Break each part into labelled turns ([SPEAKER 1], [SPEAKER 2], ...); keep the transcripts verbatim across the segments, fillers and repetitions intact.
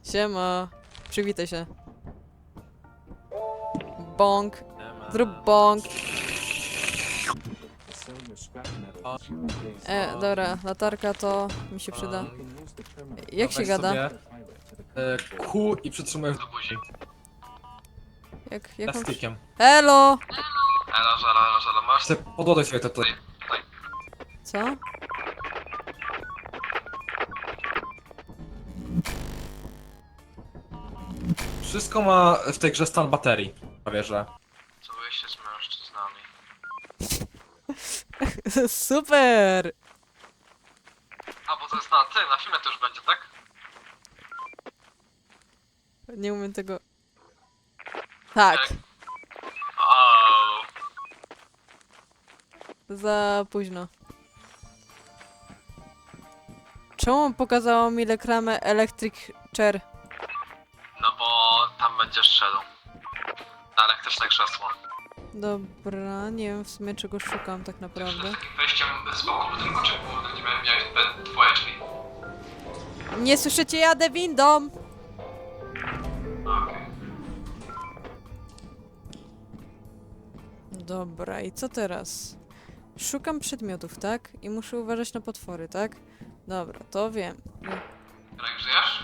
[SPEAKER 1] Siema. Przywitaj się. Bąk. Zrób bąk. E, dobra, latarka to mi się przyda. Jak się gada?
[SPEAKER 2] E, Q i przytrzymujesz do buzi.
[SPEAKER 1] Jak, jak mam...
[SPEAKER 2] Plastikiem.
[SPEAKER 1] Hello!
[SPEAKER 3] Elo, żelo, elo, żelo, masz
[SPEAKER 2] Chcę podłodać sobie to tutaj.
[SPEAKER 1] Co?
[SPEAKER 2] Wszystko ma w tej grze stan baterii. Prawie, że.
[SPEAKER 3] Całuję się z mężczyznami.
[SPEAKER 1] Super!
[SPEAKER 3] A, bo to jest na tym, na filmie to już będzie, tak?
[SPEAKER 1] Nie umiem tego... Tak,
[SPEAKER 3] Ooo.
[SPEAKER 1] za późno. Czemu pokazało mi reklamę Electric Chair?
[SPEAKER 3] No bo tam będziesz szedł. Na elektryczne krzesło.
[SPEAKER 1] Dobra, nie wiem w sumie czego szukam tak naprawdę.
[SPEAKER 3] Takim wejściem z boku budynku, czy głównym, gdzie miałem miałeś te twoje drzwi?
[SPEAKER 1] Nie słyszycie, jadę windą!
[SPEAKER 3] Okej.
[SPEAKER 1] Dobra, i co teraz? Szukam przedmiotów, tak? I muszę uważać na potwory, tak? Dobra, to wiem.
[SPEAKER 3] Jak żyjesz?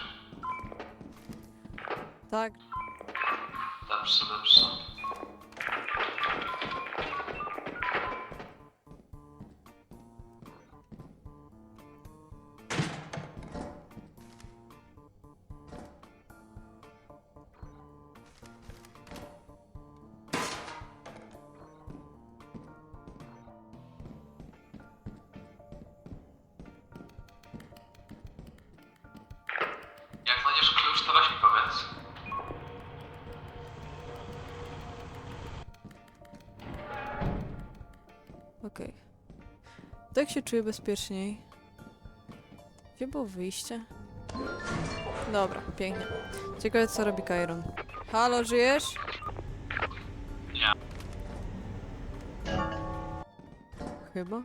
[SPEAKER 1] Tak.
[SPEAKER 3] Dobrze, dobrze. Jak znajdziesz klucz, to weź mi powiedz.
[SPEAKER 1] Okej. Tak się czuję bezpieczniej. Gdzie było wyjście? Dobra, pięknie. Ciekawe co robi Kairon. Halo, żyjesz?
[SPEAKER 3] Nie.
[SPEAKER 1] Chyba?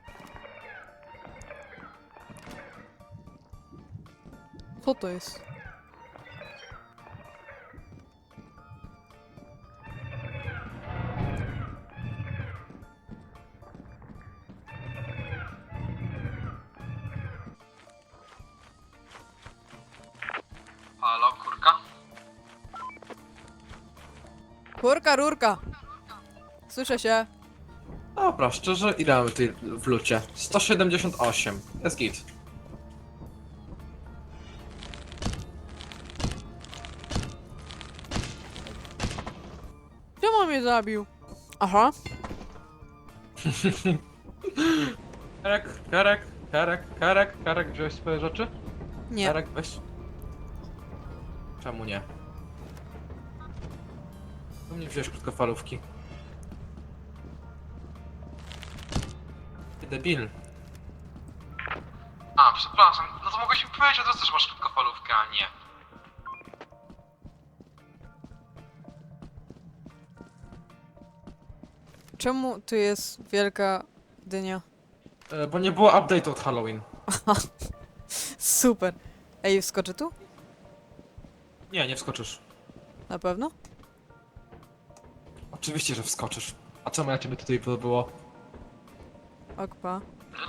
[SPEAKER 1] Co to jest?
[SPEAKER 3] Halo, kurka?
[SPEAKER 1] Kurka, rurka! Słyszę się.
[SPEAKER 2] Dobra, szczerze, ile mamy tutaj w lucie? sto siedemdziesiąt osiem. Jest git.
[SPEAKER 1] Czemu mnie zabił? Aha.
[SPEAKER 2] Karek, Karek, Karek, Karek, Karek, wziąłeś swoje rzeczy?
[SPEAKER 1] Nie.
[SPEAKER 2] Karek, weź. Czemu nie? Czemu nie wziąłeś krótkofalówki? Ty debil.
[SPEAKER 3] A, przepraszam. No to mogłeś mi powiedzieć od razu, że masz krótkofalówkę, a nie.
[SPEAKER 1] Czemu tu jest wielka dynia?
[SPEAKER 2] E, bo nie było update'u od Halloween.
[SPEAKER 1] Super. Ej, wskoczę tu?
[SPEAKER 2] Nie, nie wskoczysz.
[SPEAKER 1] Na pewno?
[SPEAKER 2] Oczywiście, że wskoczysz. A co ja ciebie tutaj było?
[SPEAKER 1] Okpa.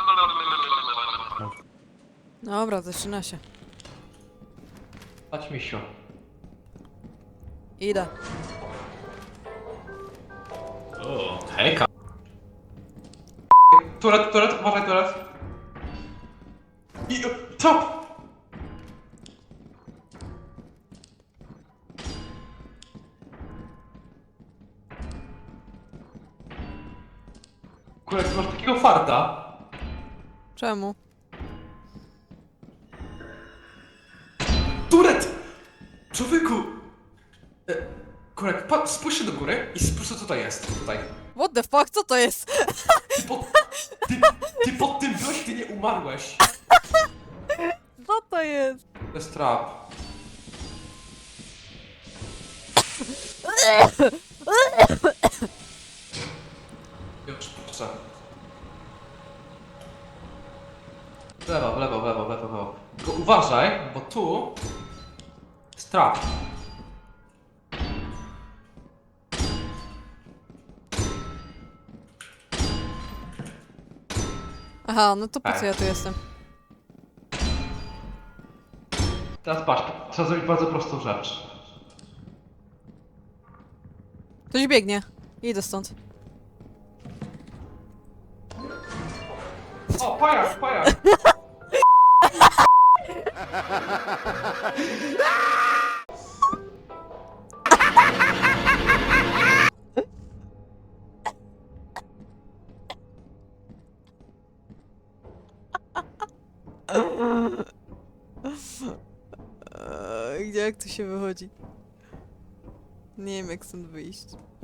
[SPEAKER 1] Dobra, zaczyna się.
[SPEAKER 2] Chodź, misiu.
[SPEAKER 1] Idę.
[SPEAKER 2] O, hejka. Turet, turet, uważaj, turet. I... Co? Kurek, ty masz takiego farta.
[SPEAKER 1] Czemu?
[SPEAKER 2] Turet! Człowieku! E, Kurek, pa, spójrz się do góry i spójrz co to jest, tutaj.
[SPEAKER 1] What the fuck, co to jest?
[SPEAKER 2] Ty pod, ty, ty pod tym byłeś, ty nie umarłeś.
[SPEAKER 1] Co to jest?
[SPEAKER 2] To jest trap. Już, proszę. W lewo, w lewo, w lewo, w lewo, w lewo. Tylko uważaj, bo tu jest Trap.
[SPEAKER 1] Aha, no to po co
[SPEAKER 2] Ej.
[SPEAKER 1] ja tu jestem?
[SPEAKER 2] Teraz patrz, trzeba zrobić bardzo prostą rzecz.
[SPEAKER 1] Ktoś biegnie. Idę stąd.
[SPEAKER 2] O, pajak, pajak!
[SPEAKER 1] Eee, Gdzie, jak tu się wychodzi? Nie wiem, jak stąd wyjść.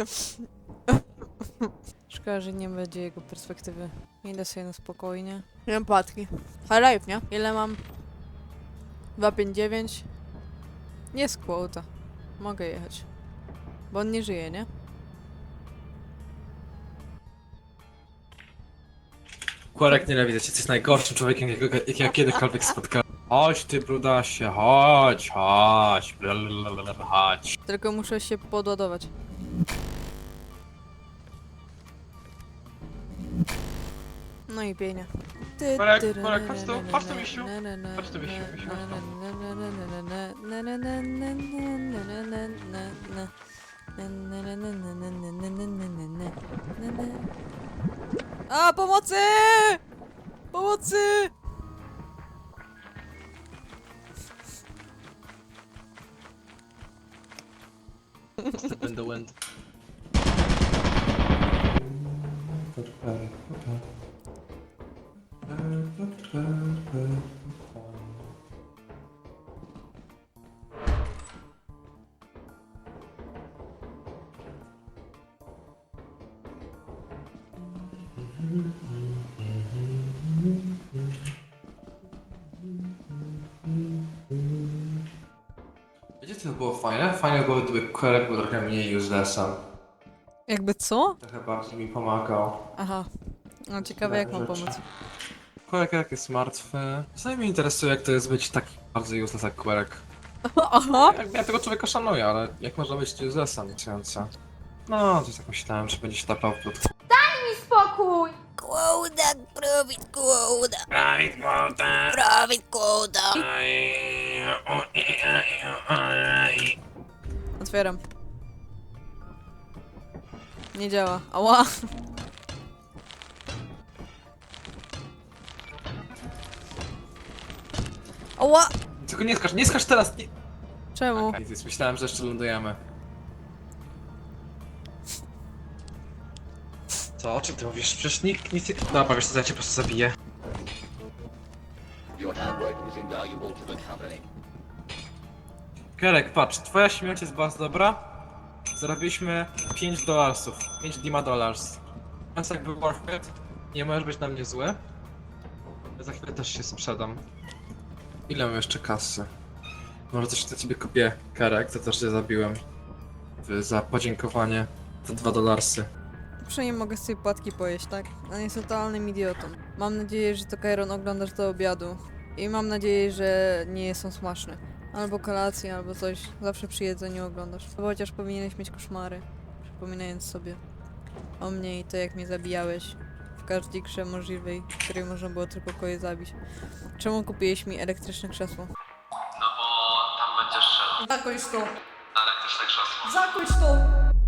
[SPEAKER 1] Szkoda, że nie będzie jego perspektywy. Idę sobie na spokojnie. Nie mam patki. High life, nie? Ile mam? dwa pięć dziewięć. Jest quota. Mogę jechać. Bo on nie żyje, nie?
[SPEAKER 2] Kłarek, nienawidzę cię, jesteś najgorszym człowiekiem, jakiego, jakiego kiedykolwiek spotkałem. Chodź ty, brudasie, chodź, chodź, blablabla, chodź.
[SPEAKER 1] Tylko muszę się podładować. No i pięknie.
[SPEAKER 2] Korek, korek, chodź tu, chodź tu, misiu. Chodź tu, misiu, misiu, chodź
[SPEAKER 1] A, pomocy! Pomocy!
[SPEAKER 2] Step in the wind. Wiecie co było fajne? Fajne było, gdyby Korek był trochę mniej uselessem.
[SPEAKER 1] Jakby co?
[SPEAKER 2] Trochę bardziej mi pomagał.
[SPEAKER 1] Aha. No ciekawe, jak mam
[SPEAKER 2] Rzeczy.
[SPEAKER 1] pomóc.
[SPEAKER 2] Korek jak jest martwy. Czasami mnie interesuje, jak to jest być taki bardzo useless jak Korek.
[SPEAKER 1] Aha!
[SPEAKER 2] Ja, ja tego człowieka szanuję, ale jak można być uselessem, niechcący. No, to tak myślałem, że będzie się tapał w plotku.
[SPEAKER 4] Spokój!
[SPEAKER 5] Quota, profit quota,
[SPEAKER 2] Right, Walter.
[SPEAKER 5] profit quota.
[SPEAKER 1] Otwieram. Nie działa. Ała! Ała!
[SPEAKER 2] Tylko nie skacz, nie skacz teraz! Nie.
[SPEAKER 1] Czemu?
[SPEAKER 2] Okay, myślałem, że jeszcze lądujemy. Co? O czym ty mówisz? Przecież nikt nic nie... Dobra, wiesz co, ja cię po prostu zabiję. Kerek, patrz, twoja śmierć jest bardzo dobra. Zarobiliśmy pięć dolarsów. pięć Dima dollars. Więc jakby worth it. Nie możesz być na mnie zły. Ja za chwilę też się sprzedam. Ile mam jeszcze kasy? Może coś dla ciebie kupię, Kerek, za to, że cię zabiłem. W- Za podziękowanie. Za dwa dolarsy.
[SPEAKER 1] Przynajmniej mogę sobie płatki pojeść, tak? On jest totalnym idiotą. Mam nadzieję, że to Kairon oglądasz do obiadu. I mam nadzieję, że nie są smaczne. Albo kolację, albo coś. Zawsze przy jedzeniu oglądasz. Bo chociaż powinieneś mieć koszmary. Przypominając sobie o mnie i to, jak mnie zabijałeś. W każdej grze możliwej, w której można było tylko kogoś zabić. Czemu kupiłeś mi elektryczne krzesło?
[SPEAKER 3] No bo tam będziesz szedł.
[SPEAKER 1] Zakończ to!
[SPEAKER 3] Na elektryczne krzesło.
[SPEAKER 1] Zakończ to!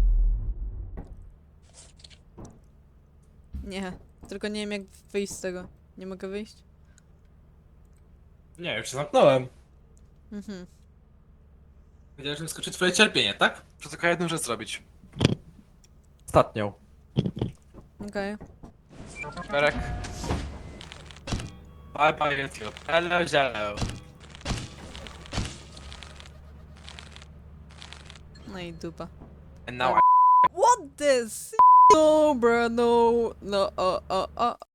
[SPEAKER 1] Nie. Tylko nie wiem, jak wyjść z tego. Nie mogę wyjść?
[SPEAKER 2] Nie, już się zamknąłem.
[SPEAKER 1] Mhm.
[SPEAKER 2] Wiedziałem, że skoczy twoje cierpienie, tak? Chcę tylko jedną rzecz zrobić. Ostatnią.
[SPEAKER 1] Okej.
[SPEAKER 2] Kerek. Bye bye YouTube. Hello, hello.
[SPEAKER 1] No i dupa.
[SPEAKER 2] And now I...
[SPEAKER 1] What this? No, bro, no. No, o, o, o.